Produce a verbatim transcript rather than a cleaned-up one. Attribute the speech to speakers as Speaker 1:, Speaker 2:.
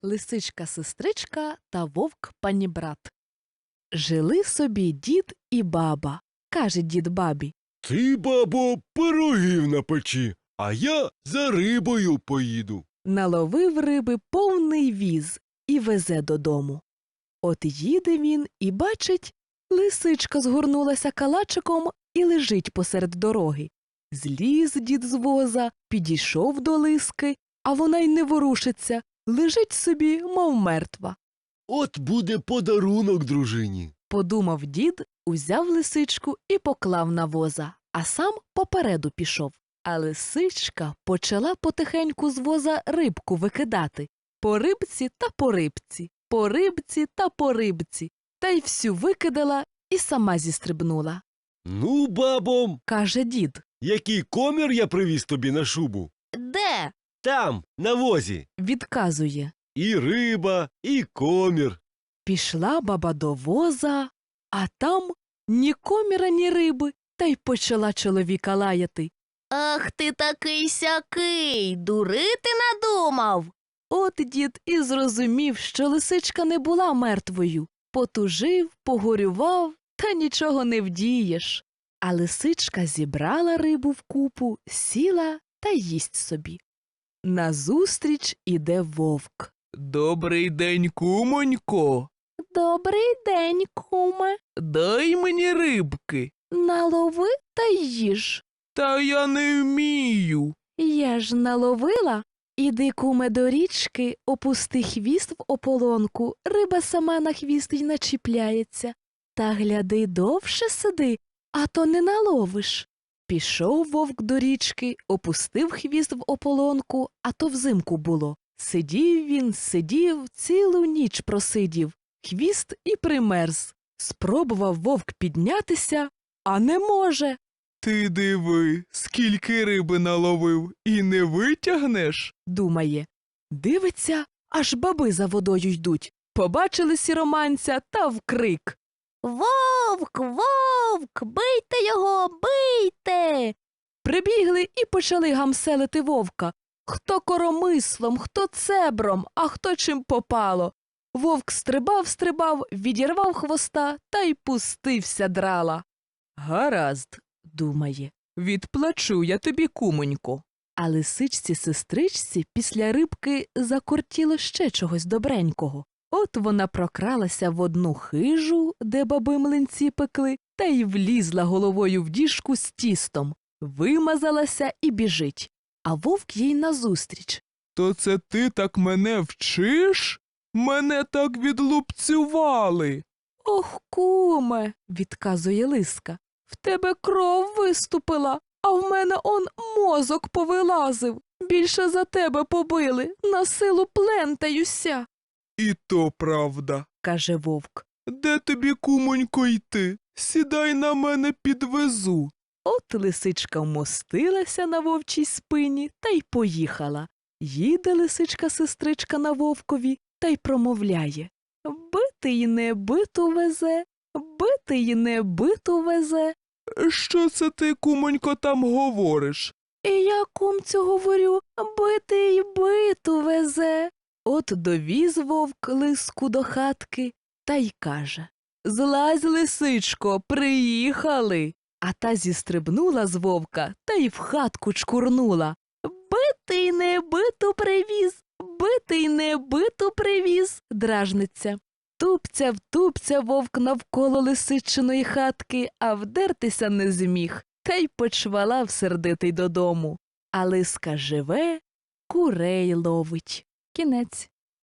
Speaker 1: Лисичка-сестричка та вовк-панібрат. Жили собі дід і баба. Каже дід бабі:
Speaker 2: Ти, бабо, пирогів напечи, а я за рибою поїду.
Speaker 1: наловив риби повний віз і везе додому. От їде він і бачить, лисичка згорнулася калачиком і лежить посеред дороги. Зліз дід з воза, підійшов до лиски, а вона й не ворушиться, лежить собі, мов мертва.
Speaker 2: От буде подарунок дружині.
Speaker 1: Подумав дід, узяв лисичку і поклав на воза, а сам попереду пішов. А лисичка почала потихеньку з воза рибку викидати. По рибці та по рибці, по рибці та по рибці. Та й всю викидала і сама зістрибнула.
Speaker 2: Ну, бабо,
Speaker 1: Каже дід:
Speaker 2: який комір я привіз тобі на шубу?
Speaker 1: Де?
Speaker 2: Там, на возі.
Speaker 1: Відказує.
Speaker 2: І риба, і комір.
Speaker 1: Пішла баба до воза, а там ні коміра, ні риби, та й почала чоловіка лаяти.
Speaker 3: Ах ти такий сякий, дурити надумав.
Speaker 1: От дід і зрозумів, що лисичка не була мертвою. Потужив, погорював, та нічого не вдієш. А лисичка зібрала рибу вкупу, сіла та їсть собі. Назустріч іде вовк.
Speaker 4: Добрий день, кумонько.
Speaker 1: Добрий день, куме.
Speaker 4: Дай мені рибки.
Speaker 1: Налови та їж.
Speaker 4: Та я не вмію.
Speaker 1: Я ж наловила. Іди, куме, до річки, опусти хвіст в ополонку, риба сама на хвіст й начіпляється. Та гляди, довше сиди, а то не наловиш. Пішов вовк до річки, опустив хвіст в ополонку, а то взимку було. Сидів він, сидів, цілу ніч просидів, хвіст і примерз. Спробував вовк піднятися, а не може.
Speaker 4: Ти диви, скільки риби наловив, і не витягнеш?
Speaker 1: Думає. Дивиться, аж баби за водою йдуть. Побачили сіроманця та вкрик.
Speaker 3: Вовк, вовк, бийте його, бийте.
Speaker 1: Прибігли і почали гамселити вовка. Хто коромислом, хто цебром, а хто чим попало. Вовк стрибав-стрибав, відірвав хвоста та й пустився драла. Гаразд, думає, відплачу я тобі, кумонько. А лисичці-сестричці після рибки закортіло ще чогось добренького. От вона прокралася в одну хижу, де баби млинці пекли, та й влізла головою в діжку з тістом, вимазалася і біжить. А вовк їй назустріч.
Speaker 4: То це ти так мене вчиш? Мене так відлупцювали.
Speaker 1: Ох, куме, відказує лиска, в тебе кров виступила, а в мене он мозок повилазив. Більше за тебе побили, на силу плентаюся.
Speaker 4: І то правда.
Speaker 1: Каже вовк.
Speaker 4: Де тобі, кумонько, йти? Сідай на мене, підвезу.
Speaker 1: От лисичка вмостилася на вовчій спині та й поїхала. Їде лисичка-сестричка на вовкові та й промовляє. Бити й не биту везе, бити й не биту везе.
Speaker 4: Що це ти, кумонько, там говориш?
Speaker 1: І я, кумцю, говорю, бити й биту везе. От довіз вовк лиску до хатки та й каже. Злазь, лисичко, приїхали. А та зістрибнула з вовка та й в хатку чкурнула. Битий не биту привіз, битий не биту привіз, дражниться. Тупця втупця вовк навколо лисичиної хатки, а вдертися не зміг, та й почвалав сердитий додому. А лиска живе, курей ловить. Кінець.